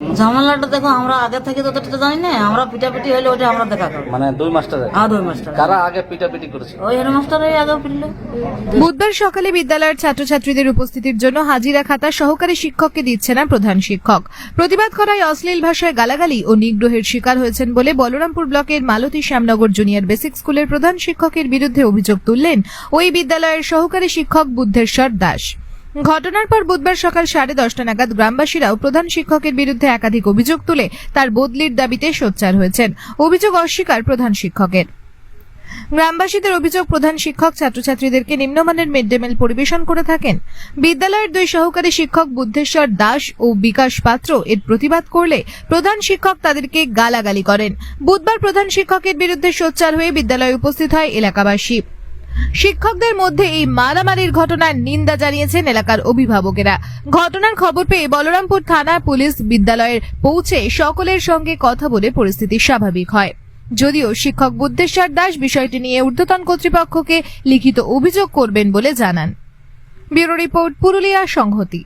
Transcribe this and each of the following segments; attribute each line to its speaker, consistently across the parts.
Speaker 1: ঝামেলাটা দেখো আমরা আগে থেকে ততটা জানি না, আমরা পিটাপিটি হইলে ওটা আমরা দেখা করবো।
Speaker 2: মানে দুই মাস্টার
Speaker 1: হ্যাঁ, দুই মাস্টার।
Speaker 2: কারা আগে পিটাপিটি করেছে?
Speaker 1: ওই হেডমাস্টারই আগে পিটলো।
Speaker 3: বুধবার সকালে বিদ্যালয়ের ছাত্রছাত্রীদের উপস্থিতির জন্য হাজিরা খাতা সহকারী শিক্ষককে দিচ্ছে না প্রধান শিক্ষক। প্রতিবাদ করায় অশ্লীল ভাষায় গালাগালি ও নিগ্রহের শিকার হয়েছেন বলে বলরামপুর ব্লকের মালতী শ্যামনগর জুনিয়র বেসিক স্কুলের প্রধান শিক্ষকের বিরুদ্ধে অভিযোগ তুললেন ওই বিদ্যালয়ের সহকারী শিক্ষক বুদ্ধেশ্বর দাস। ঘটনার পর বুধবার সকাল 10:30 নাগাদ গ্রামবাসীরাও প্রধান শিক্ষকের বিরুদ্ধে একাধিক অভিযোগ তুলে তার বদলির দাবিতে সোচ্চার হয়েছেন। অভিযোগ অস্বীকার প্রধান শিক্ষকের। গ্রামবাসীদের অভিযোগ, প্রধান শিক্ষক ছাত্রছাত্রীদেরকে নিম্নমানের মিড ডে মিল পরিবেশন করে থাকেন। বিদ্যালয়ের দুই সহকারী শিক্ষক বুদ্ধেশ্বর দাস ও বিকাশ পাত্র এর প্রতিবাদ করলে প্রধান শিক্ষক তাদেরকে গালাগালি করেন। বুধবার প্রধান শিক্ষকের বিরুদ্ধে সোচ্চার হয়ে বিদ্যালয়ে উপস্থিত হয় এলাকাবাসী। শিক্ষকদের মধ্যে এই মারামারির ঘটনার নিন্দা জানিয়েছেন এলাকার অভিভাবকেরা। ঘটনার খবর পেয়ে বলরামপুর থানা পুলিশ বিদ্যালয়ে পৌঁছে সকলের সঙ্গে কথা বলে পরিস্থিতি স্বাভাবিক হয়। যদিও শিক্ষক বুদ্ধেশ্বর দাস বিষয়টি নিয়ে ঊর্ধ্বতন কর্তৃপক্ষকে লিখিত অভিযোগ করবেন বলে জানান। ব্যুরো রিপোর্ট, পুরুলিয়া সংহতি।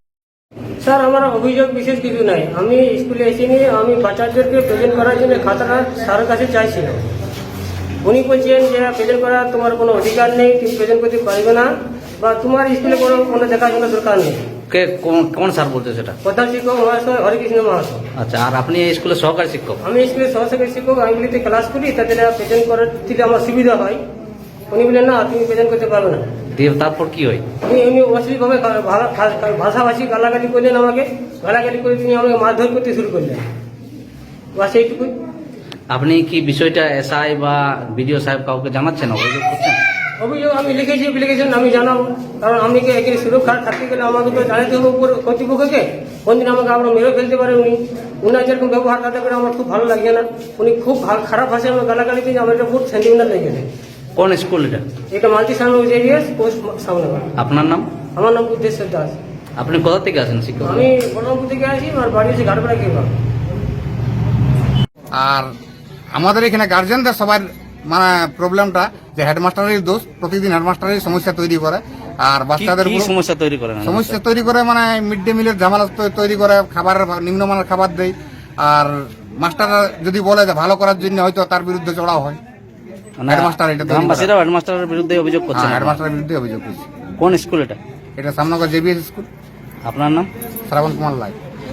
Speaker 4: স্যার, আমার অভিযোগ বিশেষ কিছু নাই। আমি স্কুলে এসেনি, আমি বাচ্চাদেরকে প্রেজেন্ট করার জন্য খাতাটা স্যারের কাছে চাইছিলাম। উনি বলছেন যে প্রেজেন্ট করার তোমার কোনো অধিকার নেই, তুমি প্রেজেন্ট করতে পারবে না, বা তোমার স্কুলে কোনো দেখাশোনার দরকার নেই।
Speaker 2: কে কোন স্যার বলছে সেটা?
Speaker 4: প্রধান শিক্ষক মহাশয় হরিকৃষ্ণ মহাশয়।
Speaker 2: আচ্ছা, আর আপনি এই স্কুলের সহকারী শিক্ষক?
Speaker 4: আমি স্কুলের সহকারী শিক্ষক, আইনগুলিতে ক্লাস করি, তাদের প্রেজেন্ট করার দিলে আমার সুবিধা হয়। উনি বললেন না, তুমি প্রেজেন্ট করতে পারবে না।
Speaker 2: দিয়ে তারপর কি হয়?
Speaker 4: উনি অশ্লীলভাবে ভাষাভাষী গালাগালি করলেন, আমাকে গালাগালি করে তিনি আমাকে মারধর করতে শুরু করলেন। বাস এইটুকুই।
Speaker 2: আপনি কি বিষয়টা এসআই বা বিডিও সাহেব কাউকে জানাচ্ছেন, অভিযোগ করছেন?
Speaker 4: অভিযোগ আমি লিখেছি, অ্যাপ্লিকেশন আমি জানাবো, কারণ আমি এখানে সুরক্ষা থাকতে গেলে আমাকে তো জানাতে হবে উপর কর্তৃপক্ষকে। কোনদিন আমাকে আমরা মেরে ফেলতে পারে উনি। উনার যেরকম ব্যবহার তাতে করে আমার খুব ভালো লাগে না। উনি খুব খারাপ ভাষায় আমার গালাগালি দিয়ে আমার এটা খুব সেন্টিমেন্টাল লেগেছে।
Speaker 2: কোন স্কুল এটা?
Speaker 4: এটা মাল্টি সামনে পোস্ট সামনে।
Speaker 2: আপনার নাম?
Speaker 4: আমার নাম বুদ্ধেশ্বর দাস।
Speaker 2: আপনি কোথা থেকে আসেন শিক্ষক?
Speaker 4: আমি বলরামপুর থেকে আসি, আমার বাড়ি হচ্ছে ঘাটপাড়া কেবা।
Speaker 5: আর আমাদের এখানে গার্জেনদের সবার মানে প্রবলেমটা যে হেডমাস্টারের দোষ, প্রতিদিন হেডমাস্টারের সমস্যা তৈরি করে। আর বাচ্চাদের
Speaker 2: সমস্যা তৈরি করে
Speaker 5: মানে মিড ডে মিলের ঝামেলা তৈরি করে, খাবারের নিম্নমানের খাবার দেয়। আর মাস্টাররা যদি বলে যে ভালো করার জন্য, হয়তো তার বিরুদ্ধে চড়াও হয়। হেডমাস্টার এটা
Speaker 2: হেডমাস্টারের বিরুদ্ধে অভিযোগ করছে।
Speaker 5: হেডমাস্টারের বিরুদ্ধে অভিযোগ করছে।
Speaker 2: কোন স্কুল এটা?
Speaker 5: এটা শ্যামনগর জেবিএস স্কুল।
Speaker 2: আপনার নাম?
Speaker 5: শ্রাবণ কুমার লাই।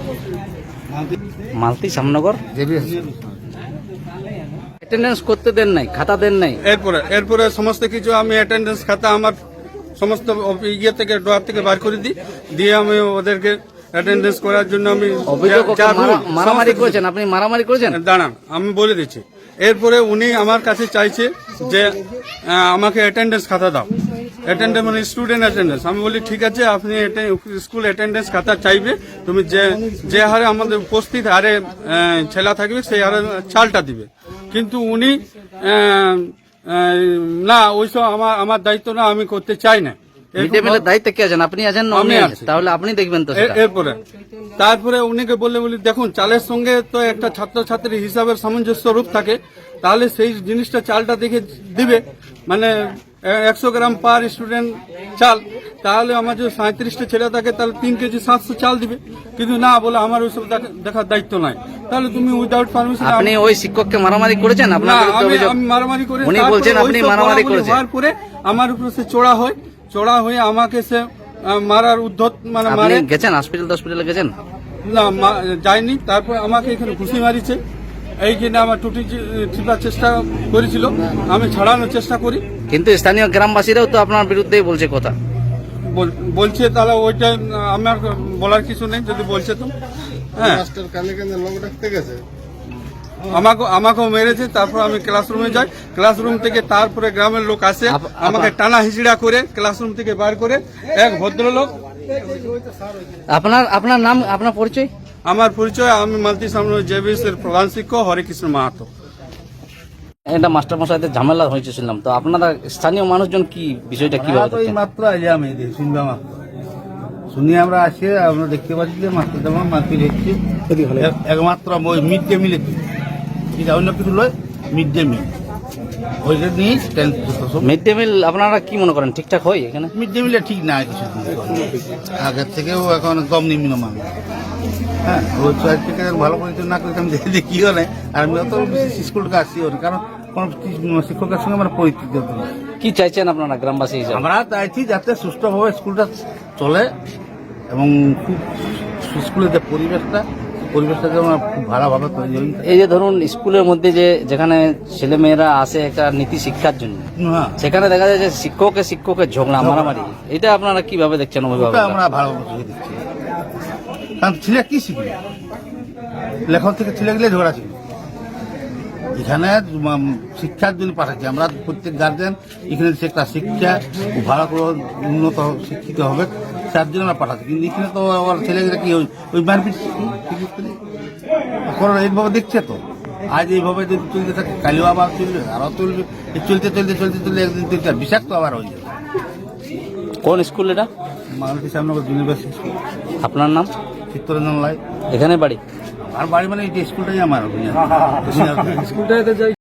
Speaker 2: মালতী শ্যামনগর
Speaker 5: জেবিএস।
Speaker 2: অ্যাটেন্ডেন্স করতে দেন নাই, খাতা দেন নাই।
Speaker 6: এরপরে সমস্ত কিছু আমি অ্যাটেন্ডেন্স খাতা আমার সমস্ত ইয়ে থেকে ড্রয়ার থেকে বার করে দিয়ে আমি ওদেরকে অ্যাটেন্ডেন্স করার জন্য আমি
Speaker 2: অভিযোগ মারামারি করেছেন। আপনি মারামারি করেছেন?
Speaker 6: দাঁড়ান, আমি বলে দিচ্ছি। এরপরে উনি আমার কাছে চাইছে যে আমাকে অ্যাটেন্ডেন্স খাতা দাও, অ্যাটেন্ডেন্স মানে স্টুডেন্ট অ্যাটেন্ডেন্স। আমি বলি ঠিক আছে, আপনি স্কুল অ্যাটেন্ডেন্স খাতা চাইবে, তুমি যে হারে আমাদের উপস্থিত হারে ছেলা থাকবে সেই হারে চালটা দিবে। কিন্তু উনি না, ওইসব আমার দায়িত্ব না, আমি করতে চাই না।
Speaker 2: দায়িত্বে কে আছেন? আপনি আছেন? তাহলে আপনি দেখবেন তো।
Speaker 6: তারপরে উনিকে বলি দেখুন, চালের সঙ্গে তো একটা ছাত্রছাত্রী হিসাবের সামঞ্জস্য রূপ থাকে, তাহলে সেই জিনিসটা চালটা দেখে দিবে। মানে 100 গ্রাম পার স্টুডেন্ট চাল, তাহলে আমার যদি 37টা ছেলে থাকে তাহলে 3 কেজি 700 চাল দিবে। কিন্তু না, বলে আমার ওইসব দেখার দায়িত্ব নাই। তাহলে তুমি উইদাউট পারমিশন।
Speaker 2: আপনি ওই শিক্ষককে মারামারি করেছেন?
Speaker 6: আমি মারামারি করে,
Speaker 2: উনি বলছেন আপনি মারামারি করেছেন।
Speaker 6: তারপরে আমার উপরে সে চড়া হয়ে আমাকে সে মারার উদ্ধত মানে
Speaker 2: মারে। গেছেন হসপিটালে গেছেন?
Speaker 6: না, যায়নি। তারপর আমাকে এখানে ঘুষি মারিছে। এই জন্য আমার টুটি টিপার চেষ্টা করেছিল, আমি ছাড়ানোর চেষ্টা করি।
Speaker 2: কিন্তু স্থানীয় গ্রামবাসীরাও তো আপনার বিরুদ্ধেই বলছে কথা।
Speaker 6: বলছে, তাহলে ওইটা আমার বলার কিছু নেই। যদি বলছে তো হ্যাঁ, আমাকেও মেরেছে। তারপর আমি ক্লাসরুমে যাই, ক্লাসরুম থেকে তারপরে গ্রামের লোক আসে, আমাকে টানা হিজড়া করে ক্লাসরুম থেকে বার করে। এক ভদ্রলোক।
Speaker 2: আপনার নাম, আপনার পরিচয়?
Speaker 6: আমার পরিচয়, আমি মালতী শ্যামনগর জেবিএস এর প্রধান শিক্ষক হরিকৃষ্ণ মাহাতো।
Speaker 2: এটা মাস্টার মশাইদের ঝামেলা হয়েছে শুনলাম, তো আপনারা স্থানীয় মানুষজন কি বিষয়টা কিভাবে দেখেন?
Speaker 7: মাত্র আমি শুনলাম, শুনি আমরা আসি, আমরা দেখতে পাচ্ছি যে মাস্টার যেমন মারপিট হচ্ছে একমাত্র ওই মিড ডে মিলে, এটা অন্য কিছু নয়। মিড ডে মিল ওইটা নিয়ে
Speaker 2: মিড ডে মিল আপনারা কি মনে করেন ঠিকঠাক হয় এখানে?
Speaker 7: মিড ডে মিলে ঠিক না, কিছু আগের থেকেও এখন কম নিম্নমান। হ্যাঁ ওই চাকরিকে ভালো করে যদি না করি আমি দেখিও নাই, আর আমি অত বিশেষ স্কুলটা আসিও না, কারণ কোনো শিক্ষকের সঙ্গে আমার পরিচিত নেই।
Speaker 2: কি চাইছেন আপনারা গ্রামবাসী হিসাবে?
Speaker 7: আমরা চাইছি যাতে সুষ্ঠুভাবে স্কুলটা চলে এবং খুব স্কুলের যে পরিবেশটা যেন খুব ভালোভাবে তৈরি হয়।
Speaker 2: এই যে ধরুন স্কুলের মধ্যে যেখানে ছেলে মেয়েরা আসে একটা নীতি শিক্ষার জন্য,
Speaker 7: হ্যাঁ
Speaker 2: সেখানে দেখা যায় যে শিক্ষকের ঝগড়া মারামারি, এটা আপনারা কিভাবে দেখছেন
Speaker 7: ওটা
Speaker 2: অভিভাবক?
Speaker 7: আমরা ভালোভাবে চোখে দিচ্ছি, কারণ ছেলে কি শিখবে, লেখন থেকে ছেলেগুলো ঝগড়া শিখবে। এখানে শিক্ষার জন্য পাঠাচ্ছি আমরা, প্রত্যেক গার্জেন এখানে একটা শিক্ষা ভালো করে উন্নত শিক্ষিত হবে তার জন্য আমরা পাঠাচ্ছি, কিন্তু এখানে তো আমার ছেলেগুলো কি ওই মারপিট এখন এইভাবে দেখছে তো, আজ এইভাবে যদি চলতে থাকে কালিও আবার চলবে, আরও চলবে, চলতে একদিন তিনটা বিষাক্ত আবার হয়ে যাবে।
Speaker 2: কোন স্কুল এটা?
Speaker 7: Malati Shyamnagar university school.
Speaker 2: আপনার নাম?
Speaker 7: চিত্তরঞ্জন লাই।
Speaker 2: এখানে বাড়ি?
Speaker 7: আর বাড়ি মানে এই স্কুলটাই আমার স্কুলটাতে যাই।